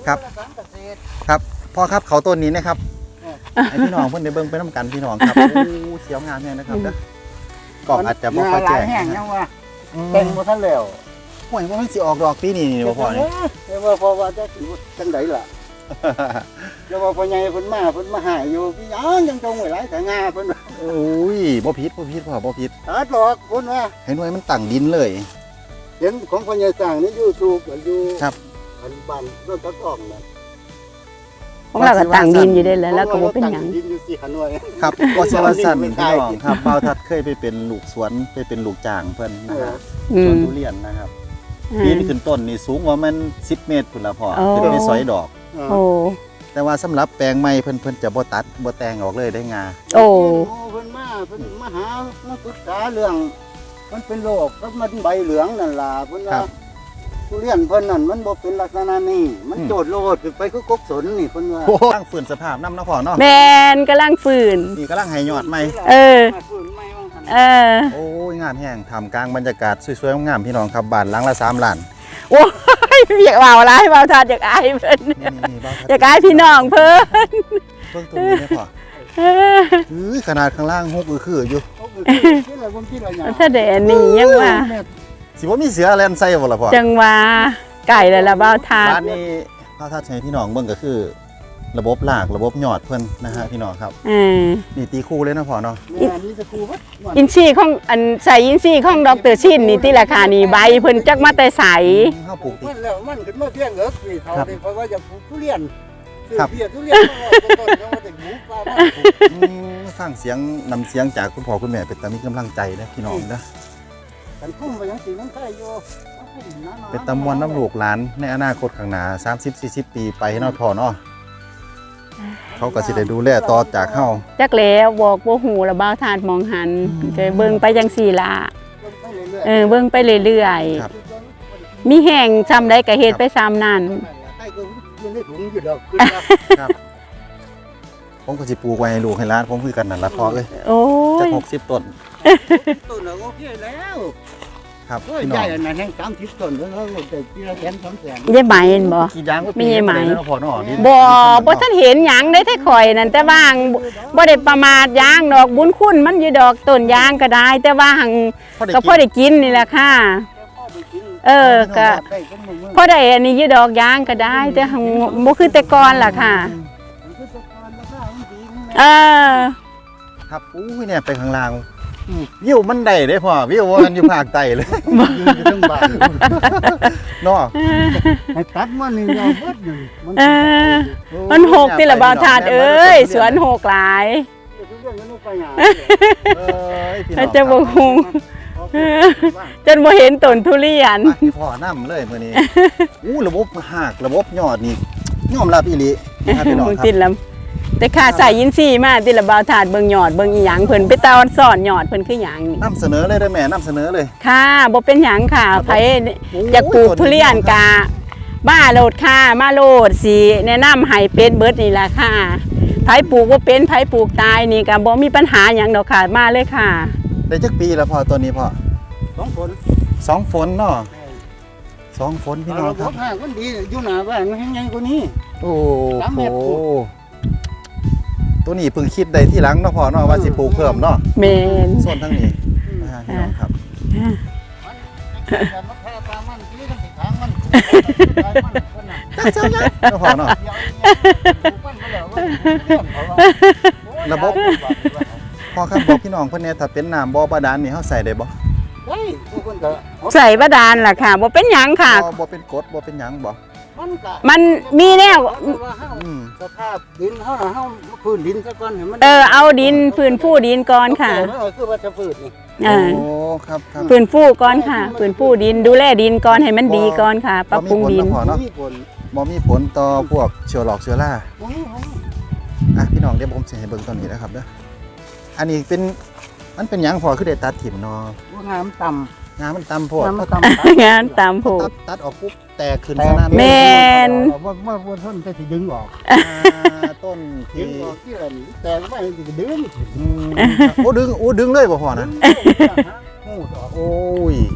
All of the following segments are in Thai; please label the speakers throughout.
Speaker 1: ครับครับพ่อครับเขาต้นนี้นะครับให้พี่น้องเพิ่นได้เบิ่งไปน้ำกันพี่น้องครับโอ้เขียวงามแน่นะครับเด้อกล่องอาจจะบ่ค่อยแจ้ง
Speaker 2: แห้งยังว่าเต็มบ่ทันแล้ว
Speaker 1: ห่วยว่ามันสิออกดอกปีนี้นี่บ่พ่อนี่
Speaker 2: แต่ว่าพอว่าจะสิจังไดล่ะแล้วว่าพ่อใหญ่เพิ่นมาหายอยู่พี่ยังจงไว้หลายแต่งาเพิ่น
Speaker 1: โอ้ยบ่ผิดพ่อบ่ผิด
Speaker 2: ตัดหรอกเพิ่นว่า
Speaker 1: ให้หน่วยมันตั้งดินเลย
Speaker 2: เห็นของพ่อใหญ่สร้างใน YouTube อยู่
Speaker 1: ครับ
Speaker 2: อันบ้านรถตะกอกน่ะ
Speaker 3: ของเราก็ตั้งดินอยู่ได้แล้วก็บ่เป็นหยัง
Speaker 2: ดินอยู่4 หน่วย
Speaker 1: ครับก็สิว่าสั่นพี่น้องครับบ่าวทัดเคยไปเป็นลูกสวนไปเป็นลูกจ้างเพิ่นนะครับสวนทุเรียนนะครับปีนขึ้นต้นนี่สูงกว่ามัน10 เมตรพุ่นละพ่อขึ้นไปสอยดอก
Speaker 3: โอ้
Speaker 1: แต่ว่าสำหรับแปลงใหม่เพิ่นจะบ่ตัดบ่แต่งออกเลยได้งา
Speaker 3: โอ้
Speaker 2: เพิ่นมาหามาปรึกษาเรื่องมันเป็นโรคแล้วมันใบเหลืองนั่นล่ะเพิ่นว่าทุเรียนเพิ่นนั่นมันบ่เป็นลักษณะนี้มันโจดโลดขึ้นไปคือกกสนนี่เพิ่นว่า
Speaker 1: โอ้ตั้งฝืนสภาพน้ำเนาะพ่อเนาะ
Speaker 3: แมนกำลังฝืน
Speaker 1: นี่กำลังให้ยอดใหม่
Speaker 3: เออ
Speaker 2: ฟื้นใหม่ว่าหั่น
Speaker 3: เออ
Speaker 1: โอ้ยงามแห้งทำกลางบรรยากาศสวยๆงามๆพี่น้องครับบ้านหลังละ3 ล้าน
Speaker 3: โอ้ยอยากเบาร้ายเบาทานอยากอายเพิ่น
Speaker 1: นี่บ้าว
Speaker 3: อยากอายพี่น้องเพิ่น
Speaker 1: เพิ่งตรงนี้ได้พ่อ
Speaker 3: เออ
Speaker 1: ขนาดข้างล่างฮกคืออยู่
Speaker 2: เขาคือคิดอะไรผมคิดอะไรอย่าง
Speaker 3: ถ้าแดดนี่ยังว่า
Speaker 1: สิบ่มีเสือแลนใส่บ่ล่ะพ่อ
Speaker 3: จังว่าไก่แล้วล่ะเบาทาน
Speaker 1: บ้านนี้พ่อทัดให้พี่น้องเบิ่งก็คือ ระบบรากระบบยอดเพิ่นนะฮะพี่น้องครับ
Speaker 3: เออ
Speaker 1: นี่ตีคู่เลยนะพ่อเนาะ
Speaker 2: แม่นี่จะครูวัด
Speaker 3: อินทรีย์ของอันใส่อินทรีย์ของดรชินนี่ที่ราคานี่ใบเพิ่นจักมาแต่ใส
Speaker 1: เฮาปลูกติ
Speaker 2: มันแล้วมันขึ้นมาเพียงเอิกนี่เขาเพราะว่าจะปลูกทุเรียน
Speaker 1: ครับ
Speaker 2: เบียทุเรียนต้นๆแล้วมันจะหมูปลาบ้าน
Speaker 1: ฟังเสียงนำเสียงจากคุณพ่อคุณแม่เป็นตามีกำลังใจนะพี่น้องนะ
Speaker 2: กันคุ้มไปยังสีน้ำใต้โย
Speaker 1: เป็นตำมวนน้ำลูกหลานในอนาคตข้างหน้า30-40 ปีไปเนาะพ่อเนาะเขาก็สิได้ดูแลต่อจากเฮา
Speaker 3: จักแล้วบอกบ่ฮู้ละเบาทานมองหันจะเบิ่งไปจังซี่ล่ะเบิ่งไปเรื่อยๆมีแห้งซ้ำใดก็เฮ็ดไปซ้ำนั่น
Speaker 2: ใต้ก็ยังได้ถุงอยู่ดอก
Speaker 1: ครับผมก็สิปลูกไว้ให้ลูกให้หลานผมคือกันนั่นล่ะพ่อเอ้ย
Speaker 3: โอ้
Speaker 1: จัก
Speaker 3: ย
Speaker 1: 60 ต้น
Speaker 2: ต้นเราโอเคแล้ว
Speaker 1: ครับ
Speaker 2: โอ้ย
Speaker 1: พี่น้
Speaker 2: ให
Speaker 1: อ
Speaker 2: ญ่
Speaker 1: ง
Speaker 2: นะแห้ง30 ต้นแล้วเราได้ปีละ100,000-200,000
Speaker 3: ยายไหมเห็นบ่
Speaker 1: กี่อย่างก็
Speaker 3: มีไหม
Speaker 1: เนาะพ่อเนาะ
Speaker 3: บ่ทันเห็นหยังได้แต่ข่อยนั่นแต่ว่าหังบ่ได้ประมาทยางดอกบุญคุณมันอยู่ดอกต้นยางก็ได้ แต่ว่าหังก็พอได้กินนี่แหละค่ะ เออก็พอได้อันนี้อยู่ดอกยางก็ได้ แต่หังบ่คือแต่ก่อนล่ะค่ะ เออ
Speaker 1: ครับอู้ยเนี่ยไปข้างล่างวิวมันได้เด้พ่อวิวมันอยู่ภาคใต้เลย
Speaker 2: ยืนอยู่ทั้งบ้าน
Speaker 1: เนาะ
Speaker 2: ให้ตัดมันนี่เอาเบิดอยู่
Speaker 3: เออ มันหกติละบ่าวทานเอ้ยสวนหกหลาย
Speaker 2: ทุเรียนก็นู่นไปหา
Speaker 1: เอ้ยพี่น้อง
Speaker 3: จะบ่ฮู้จนบ่เห็นต้นทุเรียน
Speaker 1: ไปพ่อน้ำเลยมื้อนี้อู้ระบบหากระบบยอดนี่ยอมรับอีหลีนะครับพี่น้องครับ
Speaker 3: ติดลำแต่ค่าใส่ยินซี่มาติละบ่าวทานเบิ่งยอดเบิ่งอีหยังเพิ่นไปตาอนสอนยอดเพิ่นคือหยังนี่
Speaker 1: นำเสนอเลยได้อแม่นำเสนอเลย
Speaker 3: ค่ะบ่เป็นหยังค่ะไผอยากปลูกทุเรียนกะบ้าโลดค่ะมาโลดสิแนะนำให้เป็ดเบิดนี่ล่ะค่ะไผปลูกบ่เป็นไผปลูกตายนี่ก็บ่มีปัญหาหยังดอกค่ะมาเลยค่ะ
Speaker 1: ได้จักปีแล้วพ่อตัวนี้พ่อ
Speaker 2: 2 คน
Speaker 1: 2 ฝนเนาะ2 ฝนพี่น้อง
Speaker 2: เรา
Speaker 1: ครับ
Speaker 2: บอกว่าคนดีอยู่หน้าบ้านมันแห้งใหญ่กว่านี้
Speaker 1: โอ้
Speaker 2: 3
Speaker 1: โห
Speaker 2: เมตรปลูก
Speaker 1: ตัวนี้เพิ่งคิดได้ที่หลังเนาะพ่อเนาะว่าสิปลูกเพิ่มเนาะ
Speaker 3: แม่น
Speaker 1: ส่วนทั้งนี้นะฮะพี่น้องครับ
Speaker 2: มันแพ้ปลามันที่มันติดทางมัน
Speaker 1: จักเจ้ายักษ์เนาะพ่อเนาะระบบพ่อครับบอกพี่น้องเพิ่นเนี่ยถ้าเป็นน้ำบ่บาดาลนี่เฮาใส่ได้บ่
Speaker 2: ได้ทุกคนก็
Speaker 3: ใส่บาดาลล่ะค่ะบ่เป็นหยังค่ะ
Speaker 1: บ่เป็นกรดบ่เป็นหยังบ่
Speaker 3: มันมีแนว
Speaker 1: อืม
Speaker 2: สภาพดินเฮาพื้นดินซะก่อนให้มัน
Speaker 3: เอาดินฟื้นฟูดินก่อนค่ะ
Speaker 2: คือว่าจะพืชนี่
Speaker 1: โอ้ครับครับ
Speaker 3: ฟื้นฟูก่อนค่ะฟื้นฟูดินดูแลดินก่อนให้มันดีก่อนค่ะ ปรับปรุงดิน
Speaker 2: มีผล
Speaker 1: บ่มีผลต่อพวกเชื้อโรคเชื้อราอ่ะพี่น้องเดี๋ยวผมสิให้เบิ่งตัวนี้นะครับเด้ออันนี้เป็นมันเป็นหยังพอคือได้ตัดถิ่มเนาะ
Speaker 2: งามต่ำ
Speaker 1: งามันต่ำโพด
Speaker 2: งามต่ำ
Speaker 3: งานตามผูก
Speaker 1: ตัดออกปุ๊บแตกขึ้นซะนั่น
Speaker 3: แม่
Speaker 2: ว่าต้นจะสิดึงออก
Speaker 1: ต้น
Speaker 2: ดึ
Speaker 1: ที่
Speaker 2: งออกที่อะไรแต่ไม่จะดึง
Speaker 1: โอ้ดึงเลยบ่พอนะ
Speaker 2: หูดออก
Speaker 1: โอ้ย
Speaker 2: มัน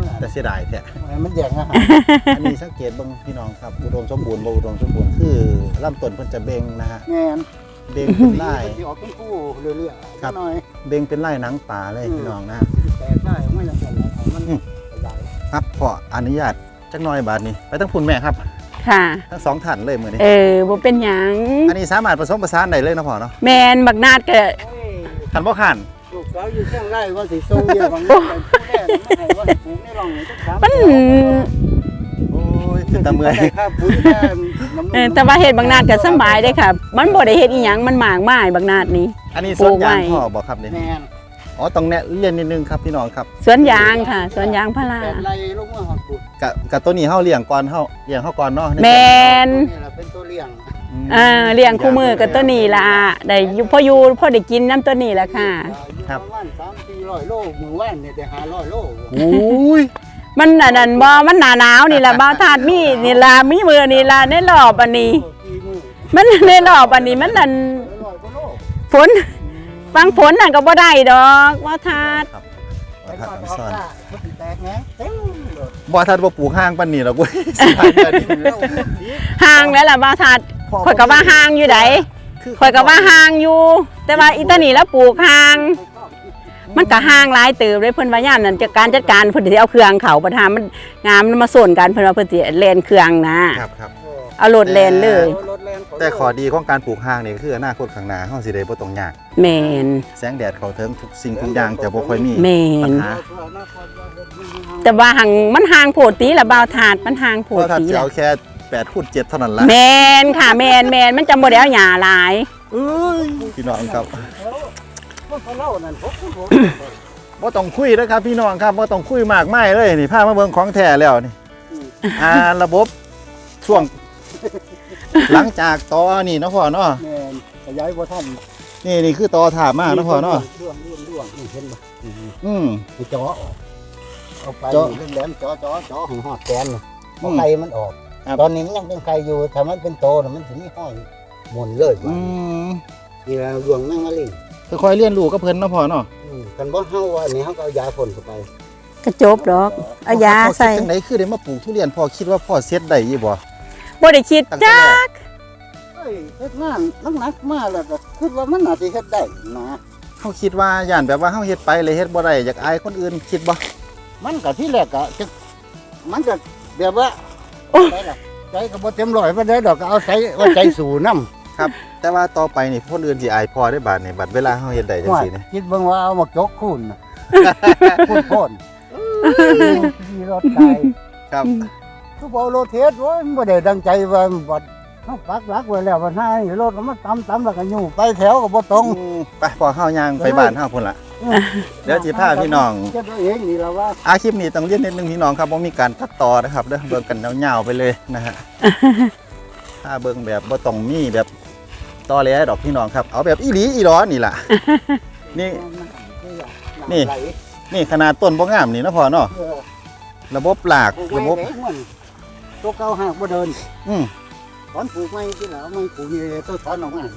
Speaker 1: แต่เสียดายแท้
Speaker 2: มันแย่งอาหาร
Speaker 1: อันนี้สังเกตเบิ่งพี่น้องครับอุดมสมบูรณ์บ่อุดมสมบูรณ์คือลำต้นเพิ่นจะเบ่งนะฮะ
Speaker 2: แม่น
Speaker 1: เบ่งเป็นลาย
Speaker 2: ที่ออกเป็นคู่เรื่อยๆ
Speaker 1: ครับ
Speaker 2: หน่อย
Speaker 1: เบ่งเป็นลายหนังป่าเลยพี่น้องนะ
Speaker 2: แต่ได้ไม่ละกันเอามันขยาย
Speaker 1: ครับขออนุญาตจักหน่อยบาดนี้ไปทั้งพุ่นแม่ครับ
Speaker 3: ค่ะ
Speaker 1: ทั้งสองท่านเลยมื้อนี้
Speaker 3: บ่เป็นหยัง
Speaker 1: อันนี้สามารถผสมผสานได้เลยเนาะพ่อเนาะ
Speaker 3: แม่นบักนาดก็
Speaker 2: โอ้ย
Speaker 1: คันบ่คัน
Speaker 2: ลูกสาวอยู่เชียงรายว่าสิส่งเยอะบางอย่างผู้แรกไม่ให้ว่าปลูกในร่องนี่ต้องถาม
Speaker 3: มัน
Speaker 1: โอ้ยเป็นตาเมื่อย
Speaker 2: ได้ค่าปุ๋ยค่าน้ำนม
Speaker 3: แต่ว่าเฮ็ดบักนาดก็สำบายเด้ค่ะ มันบ่ได้เฮ็ดอีหยังมันหมากไม้บักนาดนี้
Speaker 1: อันนี้สวนยางพ่อบ่ครับนี่
Speaker 2: แม่น
Speaker 1: อ๋อต้องแนะเรียนนิดนึงครับพี่น้องครับ
Speaker 3: สวนยางค่ะ สวนยางพารา
Speaker 2: แต่ไรลงมาหอดปลูก
Speaker 1: กับตัวนี้เฮาเลี้ยงก่อนเฮาเลี้ยงเฮาก่อนเนาะ
Speaker 3: แม่น
Speaker 2: นี่แหละเป็นตัวเลี้ยง
Speaker 3: เลี้ยงคู่มือกับตัวนี้ล่ะได้อยู่พอได้กินน้ำตัวนี้ล่ะค่ะ
Speaker 2: อยู่ประมาณ3-400 โลมื้อวานนี่ได้500 โล
Speaker 1: โอ้ย
Speaker 3: มันอันนั้นบ่มันหนาหนาวนี่ล่ะบ่าวธาตุมีนี่ล่ะมีมือนี่ล่ะในรอบอันนี้
Speaker 2: กี่มื้อ
Speaker 3: มันในรอบอันนี้มันนั่น
Speaker 2: 100 กว่าโล
Speaker 3: ฝนฟังฝนนั่นก็บ่ได้ดอกบ่าวธาตุ
Speaker 1: ครับ
Speaker 2: ไป
Speaker 1: บ่ทัน
Speaker 2: ออก
Speaker 1: ซ่อน
Speaker 2: ซ่ามันสิแตกแหงเต็มเลย
Speaker 1: บ่ทันบ่ปลูกห้างปานนี้หรอกเว้ยสิหายเดือนนี้
Speaker 3: ห่างแล้วล่ะบ่าวธาตุข่อยก็ว่าห่างอยู่ไดข่อยก็ว่าห่างอยู่ แต่ว่าอีตานี่แล้วปลูกห่าง มันก็ห่างหลายเติบเลยเพิ่นว่ายามนั้นจัดการเพิ่นสิเอาเครื่องเขาประทามมันงามมันมาส่วนกันเพิ่นว่าเพิ่นสิแล่นเครื่องนะครับ
Speaker 1: ครับ
Speaker 3: เอารถแล่นเลย
Speaker 2: รถแรงเขา
Speaker 1: แต่ข้อดีของการปลูกห้างนี่ก็คืออนาคตข้างหน้าเฮาสิได้บ่ต้องยาก
Speaker 3: แม่น
Speaker 1: แสงแดดเข้าถึงทุกสิ่งทุกอย่างจะบ่ค่อยมี
Speaker 3: แม่
Speaker 1: ปัญ
Speaker 3: น
Speaker 1: หา
Speaker 3: แต่ว่าหังมันห่างโพดตีละบ่าวถาดมันห่างโพ
Speaker 1: เพ
Speaker 3: ด
Speaker 1: ราะถ้า
Speaker 3: ตี
Speaker 1: จะ
Speaker 3: ละ
Speaker 1: เอาแค่8คูณ7เท่านั้นล่ะ
Speaker 3: แม่นค่ะแม่นมันจะบ่ได้เอาหญ้าหลาย
Speaker 1: เอ้ยพี่น้องครับ
Speaker 2: เขาเล่านั่นผม
Speaker 1: บ่ต้องคุยนะครับพี่น้องครับบ่ต้องคุยมากมายเลยนี่พามาเบิ่งของแท้แล้วนี่ระบบช่วง หลังจากตอนี่เนาะพ่อเนาะ
Speaker 2: แม่นขยายบ่ทัน
Speaker 1: นี่คือตอถามาเนาะพ่อเนาะ
Speaker 2: ด้วงนี่เห็นบ่ ไปจ่อออกเอาไป
Speaker 1: เจาะ
Speaker 2: เล่นแหลมจ่อของหอดแกนน่ะ
Speaker 1: อื
Speaker 2: เอา
Speaker 1: ม
Speaker 2: ไข่มันออก
Speaker 1: ครับ
Speaker 2: ตอนนี้มันยังเป็นไข่อยู่ถ้ามันเป็นโตน่ะมันถึงมีห้อยหมุนเลย
Speaker 1: อืม
Speaker 2: นี่ละดวงแมงมะลิง
Speaker 1: ค่อยๆเรียนรู้กับเพิ่นเนาะพ่อเนาะ
Speaker 2: กันบ่เฮาว่านี่เฮาก็เอายาพ่นเข้าไป
Speaker 3: ก็จบดอกเอายา
Speaker 1: พ่อ
Speaker 3: ใส่
Speaker 1: คิดจังไดคือได้มาปลูกทุเรียนพ่อคิดว่าพ่อเซ็ตได้อยู่บ่
Speaker 3: บ่ได้คิด
Speaker 1: ตั้งแต่
Speaker 3: จั
Speaker 1: แรก
Speaker 3: ก
Speaker 2: เฮ้ยเฮ็ดงานหนักๆมาแล้วก็คิดว่ามันน่าสิเฮ็ดได้นะ
Speaker 1: เฮาคิดว่าย่านแบบว่าเฮาเฮ็ดไปเลยเฮ็ดบ่ได้อยากอายคนอื่นคิดบ่
Speaker 2: มันก็ที่แรกก็จะมันก็แบบว่าได้ล่ะใจก็บ่เต็มร้อยปานใดดอกก็เอาใจว่าใจสู่นำ
Speaker 1: ครับ แต่ว่าต่อไปนี่คนอื่นสิอายพ่อได้บาดนี่บัดเวลาเฮาเฮ็ดได้จังซี่นี่
Speaker 2: คิดเบิ่งว่าเอามาจกคูนน่ะคูนโพ่นมีรถไก
Speaker 1: ครับ
Speaker 2: ทุกเอาโรเทสว่าไม่ได้ดังใจว่าบัดเขาปักหลักไว้แล้ววันหน้ารถก็มาตำแล้วก็อยู่ไปแถวก็บ่ตรง
Speaker 1: ไปพอเฮาย่างไปบ้านเฮาพุ่นล่ะ เดี๋ยวสิพาพี่น้อง
Speaker 2: เก็บเอาเองนี่ละว่า
Speaker 1: คลิปนี้ต้องเรียนนิดนึงพี่น้องครับว่ามีการตัดต่อนะครับเด้อเบิ่งกันยาวๆไปเลยนะฮะ ถ้าเบิ่งแบบบ่ต้องมีแบบต่อเลยดอกพี่น้องครับ เอาแบบอีหลีอีหลอนี่ล่ะ นี่ นี่
Speaker 2: ไหล
Speaker 1: นี่ขนาดต้นบ่งามนี่เนาะพ่อเนาะ
Speaker 2: เออ
Speaker 1: ระบบหลาก
Speaker 2: ปลูก
Speaker 1: ระบบ
Speaker 2: ไว้เด้มันตัวเก่าหากบ่เดิน
Speaker 1: อืม
Speaker 2: ถอนปลูกไม้ที่แล้วไม่ปลูกนี่ตัวถอนออกมา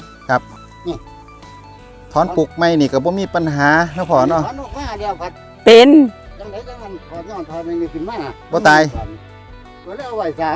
Speaker 1: ถอนปลูกใหม่นี่ก็บ่มีปัญหาเนาะพ่อเนาะ
Speaker 2: ถอนออกมาเดียวพัด
Speaker 3: เป็น
Speaker 2: จังไดจังมันถอนย้อนถอนนี่ขึ้นมา
Speaker 1: บ่ตาย
Speaker 2: ก็เลยเอาไว้3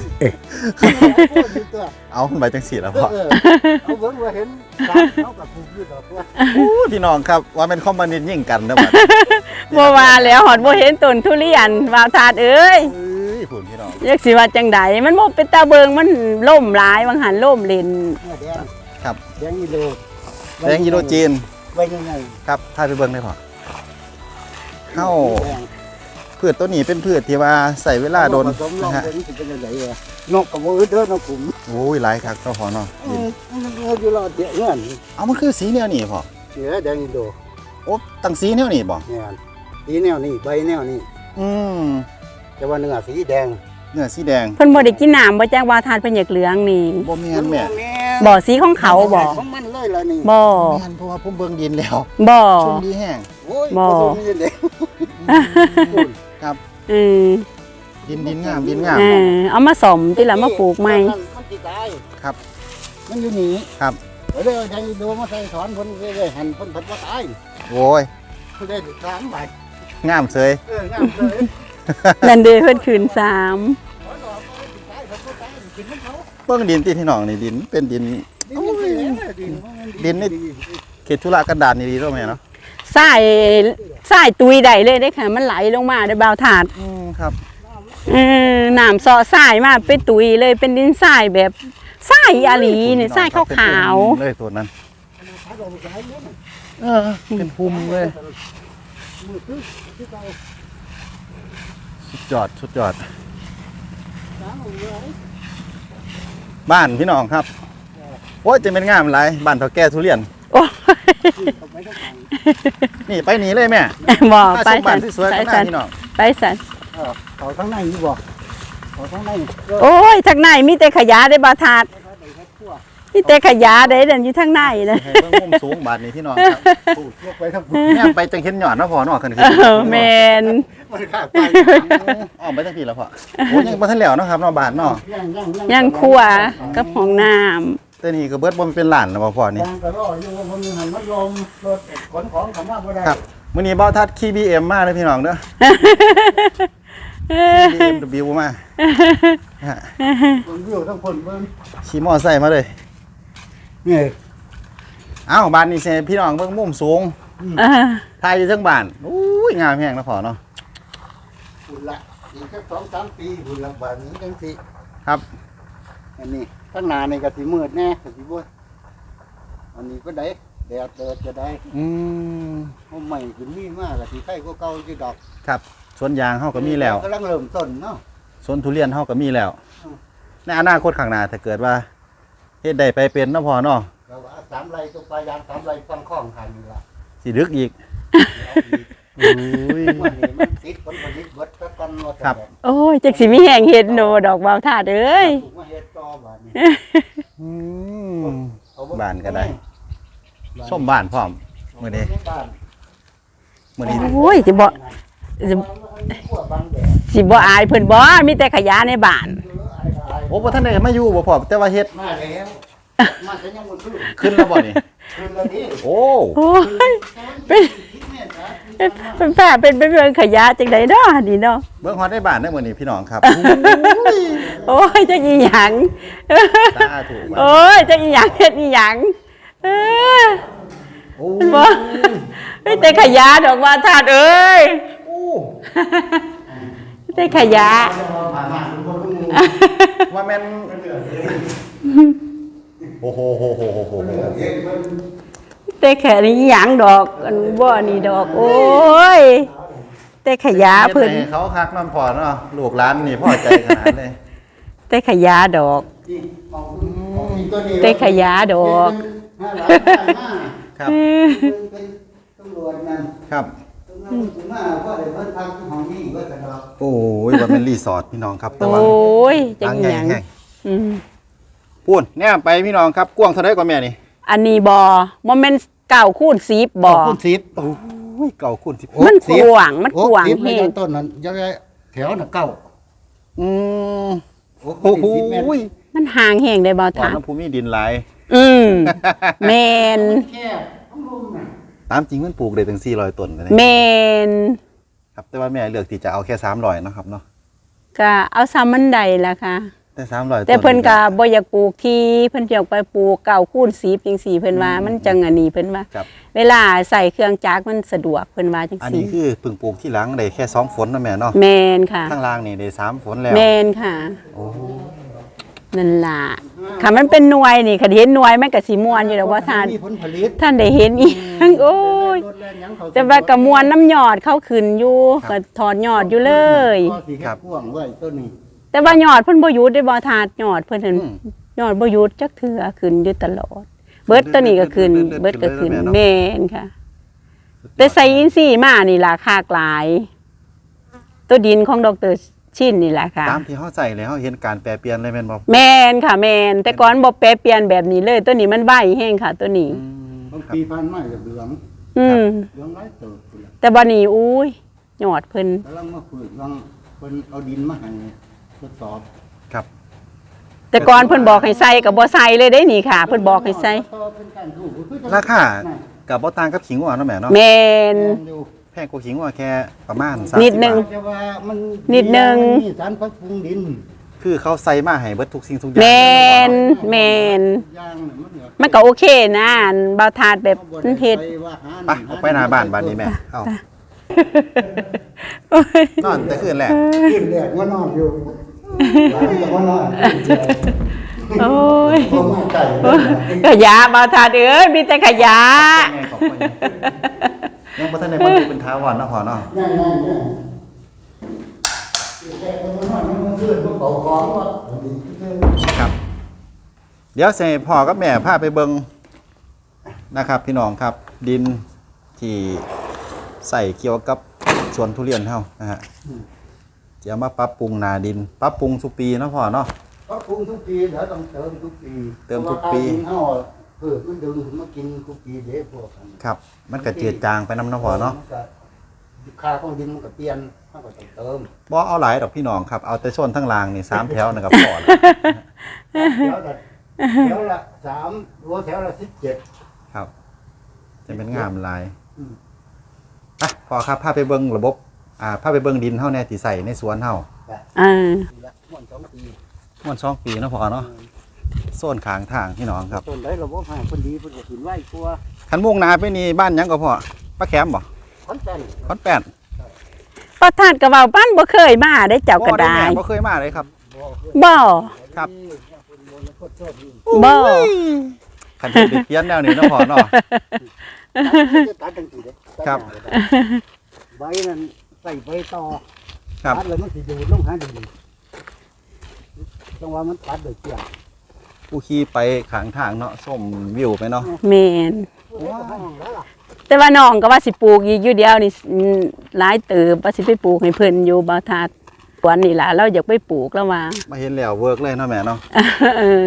Speaker 1: เอาขึ้นไปจังซี่ล่ะพ่อ
Speaker 2: เอาเบิ่งว่าเห็น3เขาก็ปลูกอยู่ดอกว่า
Speaker 1: อู้พี่น้องครับว่าเป็นคอมมิวนิสต์ยิ่งกันเด้อบัด
Speaker 3: บ่ว่าแล้วหอดบ่เห็นต้นทุเรียนบ่าวถาดเอ้ย
Speaker 1: เอ้ยพุ่นพี่น้อง
Speaker 3: จักสิว่าจังใดมันบ่เป็นตาเบิงมันล่มหลายบางหันล่มเล่น
Speaker 2: เนื้อแดง
Speaker 1: ครับ
Speaker 2: แดงอีโล
Speaker 1: แดงยีโรจีน
Speaker 2: ไว้ยังไง
Speaker 1: ครับพาไปเบิ่งได้พ่อเฮาพืชตัวนี้เป็นพืชที่ว่าใส่เวลาโดน
Speaker 2: ผสมลอ
Speaker 1: นะ
Speaker 2: ง
Speaker 1: ฮะ
Speaker 2: เป็นสิเป็นจังไดวะนกกับบ่อึดเด้อนกขุม
Speaker 1: โอ้ยหลายคักเนาะพ่อเนาะดิน
Speaker 2: มันอยู่รอดเดี๋ยวเงิน
Speaker 1: เอามันคือสีแนวนี้พ่อ
Speaker 2: เสือแดงอีโล
Speaker 1: โอ้ตั้งสีแนวนี้บ่
Speaker 2: เนี่ยสีแนวนี้ใบแนวนี้
Speaker 1: อืม
Speaker 2: แต่ว่าเนื้อสีแดง
Speaker 1: เนื้อสีแดง
Speaker 3: เพิ่นบ่ได้กินน้ำบ่จักว่าทานเพิ่นอยากเหลืองนี่
Speaker 1: บ่แม่นแม่
Speaker 3: บ่สีของเขาบ่
Speaker 2: ของมันเลยล่ะนี่
Speaker 3: บ่
Speaker 1: แม่นเพราะว่าผมเบิ่งดินแล้ว
Speaker 3: บ่
Speaker 1: ชุ่มดีแห้ง
Speaker 2: โอ้ย
Speaker 3: บ่
Speaker 2: ผสมนี่เด้
Speaker 3: เออ
Speaker 1: ดินงามดินงาม
Speaker 3: เอามาสมติละมาปลูกใหม่
Speaker 2: มันสิตาย
Speaker 1: ครับ
Speaker 2: มันอยู่นี่
Speaker 1: ครับ
Speaker 2: เลยเอาแดงอีโลมาใส่ถอนเพิ่นเรื่อยๆหั่นเพิ่นบ่ตาย
Speaker 1: โอ้ย
Speaker 2: เพิ่นได้3 บาท
Speaker 1: งามเสย
Speaker 2: งามเลย
Speaker 3: นั่นเด้เพิ่นคืน3
Speaker 1: เบิ่งดินที่พี่น้องนี่ดินเป็นดินดินนี่เขตธุระกันดารนี่ดีเนาะแม่เนาะ
Speaker 3: ทรายตุยได้เลยเด้ค่ะมันไหลลงมาได้บ่าวถาด
Speaker 1: ครับ
Speaker 3: น้ำเซาะทรายมาเป็นตุยเลยเป็นดินทรายแบบทรายอาหลีนี่ทรายขาว
Speaker 1: เลยตัวนั้นเป็นภูมิเลยสุดยอดสุดยอดบ้านพี่น้องครับโอ้ยจะเป็นงามหลายบ้านเฒ่าแก่ทุเรียน
Speaker 3: ๆโอ้ย
Speaker 1: นี่ไปหนีเลยแม่
Speaker 3: บ่
Speaker 1: ถ้า
Speaker 3: ไป
Speaker 1: ชมบ้า
Speaker 3: สั
Speaker 1: น
Speaker 3: น
Speaker 1: ที่สวย
Speaker 3: ไป
Speaker 1: ก็
Speaker 3: สั
Speaker 1: น่าน พี่น้อง
Speaker 3: ไปสัน
Speaker 2: เขาทั้งในนี่บ่เขาทั้งใน
Speaker 3: โอ้ยทางในมีแต่ขยะได้บ่าวถาดมีแต่ขยะได้เดินอยู่ทางในเลย
Speaker 1: ให้เบิ่งมุมสูงบาดนี้พี่น้องครับ
Speaker 2: ถูกยกไปทั้ง
Speaker 1: แม่ไปจังเห็นหยอดเนาะพ่อเนาะขึ้น
Speaker 3: แมน
Speaker 2: มันขาดไป
Speaker 1: อ้อมไปจังพี่แล้วพ่อโอ้ยังบ่ทันแล้วเนาะครับเนาะบ้านเนาะ
Speaker 3: ยังครัวกับห้องน้ำ
Speaker 1: แต่นี่ก็เบิดบ่เป็นหลานแล้วบ่พ่อนี่
Speaker 2: ยางกระรอกอยู่ว่ามันหันมันลมรถขนของเขามาบ่ได้
Speaker 1: ครับมื้อนี้เบ้าทัดขี่ BM มาเลยพี่น้องเด้อ BMW มาฮะ
Speaker 2: คนวิวทั้งคนเบิ่ง
Speaker 1: ขี่มอไซค์มาเลย
Speaker 2: นี่
Speaker 1: เอ้าบ้านนี้สิให้พี่น้องเบิ่งมุมสูง
Speaker 3: เออ
Speaker 1: ถ่ายอยู่เทิงบ้านอุ้ยงามแฮงนะพ่อเนาะ
Speaker 2: หุ่นละอีกแค่2-3 ปีหุ่นละบาทนี้จังสิ
Speaker 1: ครับ
Speaker 2: อันนี้ข้างหน้านี่ก็สิมืดแน่ก็สิบ่อันนี้ก็ได้แดดเดิดจะได้
Speaker 1: อืม
Speaker 2: เอาใหม่ขึ้นมีมากก็สิไข่กว่าเก่าอยู่ดอก
Speaker 1: ครับสวนยางเฮาก็มีแล้ว
Speaker 2: กำลังเริ่มต้นเนาะ
Speaker 1: สวนทุเรียนเฮาก็มีแล้ว ในอนาคตข้างหน้าถ้าเกิดว่าเฮ็ดได้ไปเป็นเนาะพ่อเนาะ
Speaker 2: ก็ว่า3 ไร่ตัวปลายาง3 ไร่ฟังข้องหันนี่ล่ะ
Speaker 1: สิดึกอีก
Speaker 2: เอาอีก
Speaker 1: อุ้ย
Speaker 2: วันนี้มันติดผลผลิตเบิดซะก่อนว่าแต่
Speaker 1: ครับ
Speaker 3: โอ้ยจักสิมีแห่งเห็ดโนดอกบ่าวถาดเอ้ย
Speaker 2: ถูกมาเฮ็ดต่อบาดนี้
Speaker 1: อืม
Speaker 2: เอาเง
Speaker 1: บ้านก็ได้ ส้มบ้านพร้อมมื้อนี้
Speaker 2: บ้าน
Speaker 1: มื้อนี้
Speaker 3: โอ้ยสิบ่
Speaker 2: ขั้วบางแดด
Speaker 3: สิบ่อายเพิ่นบ่มีแต่ขยะในบ้าน
Speaker 1: โอ้บ่ทันได้มาอยู่บ่พ่อแต่ว่าเฮ็ด
Speaker 2: มาแล้วมาแต่ยังบ่ซื้อ
Speaker 1: ขึ้นแล้วบ่นี่
Speaker 2: คืนละนี้
Speaker 1: โอ้
Speaker 3: โอ้ยเป็นแฝดเป็นเรื่องขยะจังไดเนาะนี่เนาะ
Speaker 1: เบิ่งฮอดได้บ้านได้มื้อนี้พี่น้องครับ
Speaker 3: โอ้ยจักอีหยัง
Speaker 1: ตาถูก
Speaker 3: โอ้ยจักอีหยังเฮ็ดอีหยังเออ
Speaker 1: โอ้
Speaker 3: บ่มีแต่ขยะดอกว่าถาดเอ้ยมีแต่ขยะ
Speaker 1: ว่าแม่นโอ้โหโหโหโหโห
Speaker 3: แต่แค่นี้หยังดอกอันบ่นี่ดอก โอ้ยแต่ขยะเพิ่น
Speaker 1: ฮ็ดให้เขาคักนอนพอเนาะลูกหลานนี่พ่อใจขนาดเลย
Speaker 3: แต่ขยะดอก แต่ขยะดอก
Speaker 1: ครับ
Speaker 2: เป็นตำรวจนั่น
Speaker 1: ครับ
Speaker 2: ตำรวจถึงมาก็ได้เพิ่นพักที่ห้องนี้ก็จะดอก
Speaker 1: โอ้ยว่าเป็นรีสอร์ทพี่น้องครับแต่
Speaker 3: โอ้
Speaker 1: ว่าย
Speaker 3: จัง
Speaker 1: ทาง
Speaker 3: ห
Speaker 1: ใหญ่
Speaker 3: ยัง
Speaker 1: แห้ง
Speaker 3: อืม
Speaker 1: พูนแน่ไปพี่น้องครับกว้างเท่าไดกว่าแม่นี่
Speaker 3: อันนี้บ่แม่น9คูณ10บ่
Speaker 2: คุณสิบโอ้
Speaker 1: โอ้ยเก่าคุณสิบ
Speaker 3: มันกว้างมันกว้าง
Speaker 2: สิบ
Speaker 3: แฮ
Speaker 2: ใน
Speaker 3: ง
Speaker 2: ต้นนั้นยังไงแถวน่ะเก้า
Speaker 1: อืม
Speaker 2: โอ้
Speaker 1: โอ้โห
Speaker 2: สิบเมตร
Speaker 3: มันห่างแฮงได้บ่
Speaker 1: ตอน
Speaker 3: ถาม
Speaker 1: น้ำภูมิดินหลาย
Speaker 3: อืมแม่น
Speaker 2: แค่ต้องรุมน่ะ
Speaker 1: ตามจริงมันปลูกได้ถึง400ต้นเลยนะ
Speaker 3: แม่น
Speaker 1: ครับแต่ว่าแม่เลือกที่จะเอาแค่300เนาะครับเนาะ
Speaker 3: ก็เอาซ้ำมันได้ล่ะค่ะ
Speaker 1: แต่300
Speaker 3: แต่เพิ่นก็บ่อยากปลูกที่เพิ่นอยากไปปลูก9คูณ10จังซี่เพิ่นว่ามันจังอันนี้เพิ่นว่า
Speaker 1: ครับ
Speaker 3: เวลาใส่เครื่องจักรมันสะดวกเพิ่นว่าจัง
Speaker 1: อัน
Speaker 3: ซี่
Speaker 1: นี้คือเพิ่งปลูกที่หลังได้แค่2ฝนนะแม่เนาะ
Speaker 3: แม่นค่ะ
Speaker 1: ข้างล่างนี่ได้3ฝนแล้ว
Speaker 3: แม่นค่ะ
Speaker 1: โอ้
Speaker 3: นั่นล่ะค่ะมันเป็นหน่วยนี่ค่ะเห็นหน่วยมันก็สิม่วนอยู่ดอกว่าท่าน
Speaker 2: มีผลผลิต
Speaker 3: ท่านได้เห็นอีหยังโอ้ย
Speaker 2: รถแล่นหยังเขา
Speaker 3: แต่ว่าก็ม่วนน้ำยอดเข้าขึ้นอยู่ก็ถอดยอดอยู่เลย
Speaker 2: ก็สิเฮ็ดพ่วงไว้ต้นนี้
Speaker 3: แต่ว่ายอดเพิ่นบ่หยุดได้บ่ทาดยอดเพิ่นนั่น
Speaker 1: อืม
Speaker 3: ยอดบ่หยุดจักเทื่อขึ้นอยู่ตลอด เบิดตัวนี้ก็ขึ้น
Speaker 1: เบิ
Speaker 3: เบิ
Speaker 1: ด
Speaker 3: ดก็ขึ้น
Speaker 1: เบิดเบิดเบิด
Speaker 3: แม่นค่ะ แต่ใส่อินทรีย์มานี่ล่ะคากหลาย ตัวดินของดรชินนี่แหละค่ะ
Speaker 1: ตามที่เฮาใส่แล้วเฮาเห็นการแปรเปลี่ยนเลยแม่นบ่
Speaker 3: แม่นค่ะแม่นแต่ก่อนบ่แปรเปลี่ยนแบบนี้เลย ตัวนี้มันใบแห้งค่ะ ตัวนี้
Speaker 2: บางปีผ่านมาก็เหลือง
Speaker 3: อืม
Speaker 2: เหลืองหลายเติบพุ่นล่ะ
Speaker 3: แต่บัดนี้อุ้ยยอดเพิ่น
Speaker 2: กำลังมาฝึกวางเพิ่นเอาดินมาให้ทดสอบ
Speaker 1: ครับ
Speaker 3: แต่ก่อนเพิ่นบอกให้ใส่ก็บ่ใส่เลยได้นี่ค่ะ เพิ่นบอกให้ใส่
Speaker 2: ต่อเป็นการถูกคือจะ
Speaker 1: ราคากับบ่ต่างกับขิงหวานเนาะแม่เนาะ
Speaker 3: แม่น
Speaker 2: อยู่
Speaker 1: แพงกว่าขิงว่าแค่ประมาณ
Speaker 3: นิดนึง
Speaker 2: แต่ว่ามัน
Speaker 3: นิดนึง
Speaker 2: มีสารพัดปรุงดิน
Speaker 1: คือเขาใส่มาให้เบิดทุกสิ่งทุกอย่าง
Speaker 3: แมนแมน
Speaker 2: ย่างน่ะมันเหลือ
Speaker 3: มันก็โอเคนะอันเบาถาดแบบมันเผ็ด
Speaker 2: ไปว่าหา
Speaker 1: ไปออกไปหน้าบ้านนี้แม่เอ้า
Speaker 3: โอ้ย
Speaker 1: นอนแต่คืนแรก
Speaker 2: ขึ้นแรกว่านอนอยู่หลังจากว่านอน
Speaker 3: โอ้ย
Speaker 2: เพราะว่าไก่
Speaker 3: ขยะเบาถาดเอ้ยมีแต่ขยะ
Speaker 1: แม่ขอบคุณยังบ่ทันได้บรรลุเป็นท้าวรเนาะพ่อเนาะ
Speaker 2: ง่ายแค่ว่านอนมันขึ้นมันเป่าของว่า
Speaker 1: ครับ เดี๋ยวสิให้พ่อกับแม่พาไปเบิ่งนะครับ พี่น้องครับ ดินที่ใส่เกี่ยวกับสวนทุเรียนเฮานะฮะจะเอามาปรับปรุงนาดิน ปรับปรุงทุกปีเนาะพ่อเนาะ
Speaker 2: ปรับปรุงทุกปีเดี๋ยวต้องเติมทุกปี
Speaker 1: เติมทุกปี
Speaker 2: เพราะว่าการกินเฮามันดึงมากินทุกปีเด้พวกกัน
Speaker 1: ครับ มันก็จืดจางไปน้ำเนาะพ่อเนาะ
Speaker 2: มัก็ค่าของดินมันก็เปลี่ยนมันก็ต้องเติม
Speaker 1: บ่เอาหลายดอกพี่น้องครับ เอาแต่ส่วนทั้งรางนี่3แถวนะครับพ่อ
Speaker 2: แถวละ3หัวแถวละ17
Speaker 1: ครับ จะเป็นงามหลาย
Speaker 2: อืม
Speaker 1: อ่ะพ่อครับพาไปเบิ่งระบบพาไปเบิ่งดินเฮาแน่ที่ใส่ในสวนเฮา
Speaker 3: อ่า
Speaker 2: ปีละม่วน2ปี
Speaker 1: ม่วน2ปีเนาะพ่อเนาะโซนข้างทางพี่น้องครับ
Speaker 2: ต้นได้ระบบให้คนดีเพิ่นก็ขึ้นไว้กลัว
Speaker 1: คันมุ่งหนาไปนี่บ้านหยังก็พ่อป้าแคมบ่
Speaker 2: ขอนแก่น
Speaker 1: ขอนแป้น
Speaker 3: เบาถาดก็เว้าปั้นบ่เคยมาได้เจ้าก็ได้
Speaker 1: แม่บ่เคยมาเลยครับ
Speaker 3: บ่
Speaker 1: ครับ
Speaker 3: บ่
Speaker 1: คันสิไปเปลี่ยนแนวนี้เนาะพ่อเนาะ
Speaker 2: ตัดจังซี่เด้
Speaker 1: ครับ
Speaker 2: ใบนั้นใส่ใบต่อ
Speaker 1: ครับ
Speaker 2: ตัดแล้วมันสิดูดลงหาดินจังว่ามันตัดโดยเกี่ยง
Speaker 1: ผู้ขี่ไปข้างทางเนาะส้มวิวไปเนาะ
Speaker 3: แม่น แต่ว่าน้องก็ว่าสิปลูกอีกอยู่เดียวนี่หลายเติบว่าสิไปปลูกให้เพิ่นอยู่บ่ทัดสวนนี่ล่ะเราอยากไปปลูกแล้วว่า
Speaker 1: มาเห็นแล้วเวิร์กเลยเนาะแม่เนาะ
Speaker 3: เออ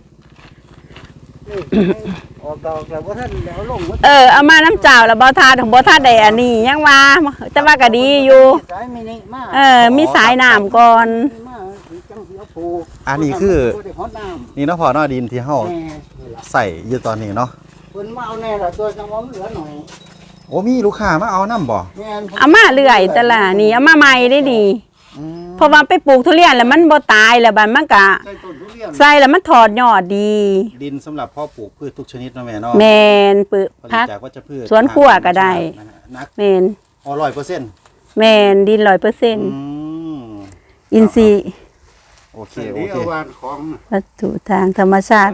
Speaker 2: ออกดอกแล้วว่าท่านแล้วลง
Speaker 3: เอามาน้ำเจ้าแล้วบ่ทัดของบ่ทัดได้อันนี้ยังว่าแต่ว่าก็ดีอยู่
Speaker 2: สายมินิมา
Speaker 3: มีสายน้ำก่อน
Speaker 2: มาจังสิเอาปลูก
Speaker 1: อันนี้คือ
Speaker 2: บ่ได้ฮอดน้ำ
Speaker 1: นี่เนาะพ่อเนาะดินที่เฮา
Speaker 2: แน่นี่ล่ะ
Speaker 1: ใส่อยู่ตอนนี้เนาะ
Speaker 2: เพิ่นมาเอาแน่ล่ะตัวจังว่ามันเหลือหน่อย
Speaker 1: โอ้มีลูกค้ามาเอาน้ำบ่
Speaker 2: แม่น
Speaker 3: เอามาเรื่อยแต่ละนี่เอามาใหม่ได้ดี
Speaker 1: อืม
Speaker 3: เพราะว่าไปปลูกทุเรียนแล้วมันบ่ตายแล้วบัดมันก็
Speaker 2: ใส่ต้นทุเรียน
Speaker 3: ใส่แล้วมันถอดยอดดี
Speaker 1: ดินสำหรับเพาะปลูกพืชทุกชนิดเนาะแม่เนาะ
Speaker 3: แมนปึ
Speaker 1: ผลิต
Speaker 3: พัก
Speaker 1: จากวัชพืช
Speaker 3: สวนครัวก็ได้
Speaker 1: นะฮะนัก
Speaker 3: แมน
Speaker 1: 100%
Speaker 3: แมนดิน100%
Speaker 1: อืม
Speaker 3: อินทรีย์
Speaker 1: โอเค
Speaker 2: เดี๋ยว
Speaker 1: โอเค
Speaker 2: เอาวานของ
Speaker 3: วัตถุทางธรรมชาติ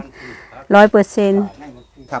Speaker 3: 100%
Speaker 1: ครับ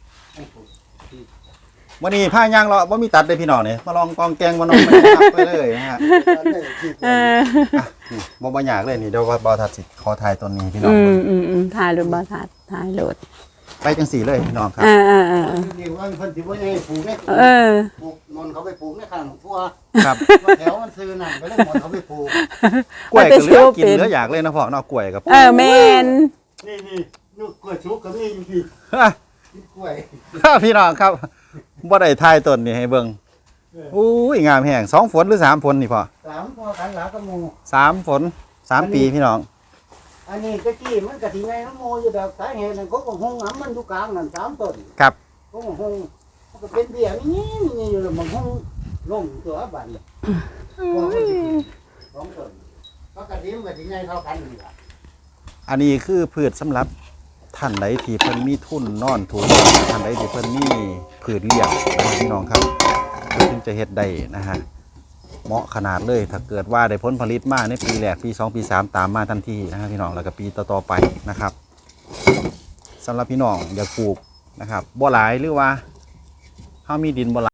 Speaker 1: วันนี้ผ้ายางเราะบ่มีตัดเลยพี่น้องเนี่ยมาลองกองแกงมานองไปครับไปเลยนะฮะ
Speaker 3: เออ
Speaker 1: นี่บ่อยากเลยนี่เดี๋ยวบ่ทัดสิขอถ่ายต้นนี้พี่น้อง
Speaker 3: ถ่ายรถบ่ทัดถ่ายรถ
Speaker 1: ไปจังสี่เลยพี่น้องครับ
Speaker 2: นี่ว่าเพิ่นสิบ่ให้ปลูกเนี่ย
Speaker 3: เออ
Speaker 2: ปลูกนนเขาไปปลูกในข้างทั่ว
Speaker 1: ครับ
Speaker 2: แถวมันซื้อนั่นก็เลยนนเขาไปปลูก
Speaker 1: กล้วยก็เหลือกินเหลืออยากเลยนะพ่อเนาะกล้วยกับ
Speaker 3: แมน
Speaker 2: นี่ลูกกล้วยชุกก็มีอยู่ที่กล้วย
Speaker 1: พี่น้องครับบ่ได้ถ่ายต้นนี่ให้เบิ่งอุ้ยงามแห้ง2ฝนหรือ3ฝนนี่พ่อ
Speaker 2: 3พอกันหลากับหมู่
Speaker 1: 3ฝน3ปีพี่น้อง
Speaker 2: อันนี้ตะกี้มันก็สิไงน้ำโมอยู่ดอกสาเหตุนั่นเขาก็หงหำมันอยู่กลางนั่น3ต้น
Speaker 1: ครับ
Speaker 2: เขาก็หงมันก็เป็นเบี้ยนี่อยู่แล้วมันหงลงตัวบัดเลย2ต้นปกติมันก็สิไงเท่ากันนี่ล่ะ
Speaker 1: อันนี้คือพืชสำหรับท่านใดที่เพิ่นมีทุนนอนทุนท่านใดที่เพิ่นมีพืชเลี้ยงนะครับพี่น้องครับเพิ่นถึงจะเฮ็ดได้นะฮะเหมาะขนาดเลยถ้าเกิดว่าได้ผลผลิตมาในปีแรกปี2ปี3ตามมาทันทีนะครับพี่น้องแล้วก็ปีต่อๆไปนะครับสำหรับพี่น้องอยากปลูกนะครับบ่หลายหรือว่าเฮามีดินบ่หลาย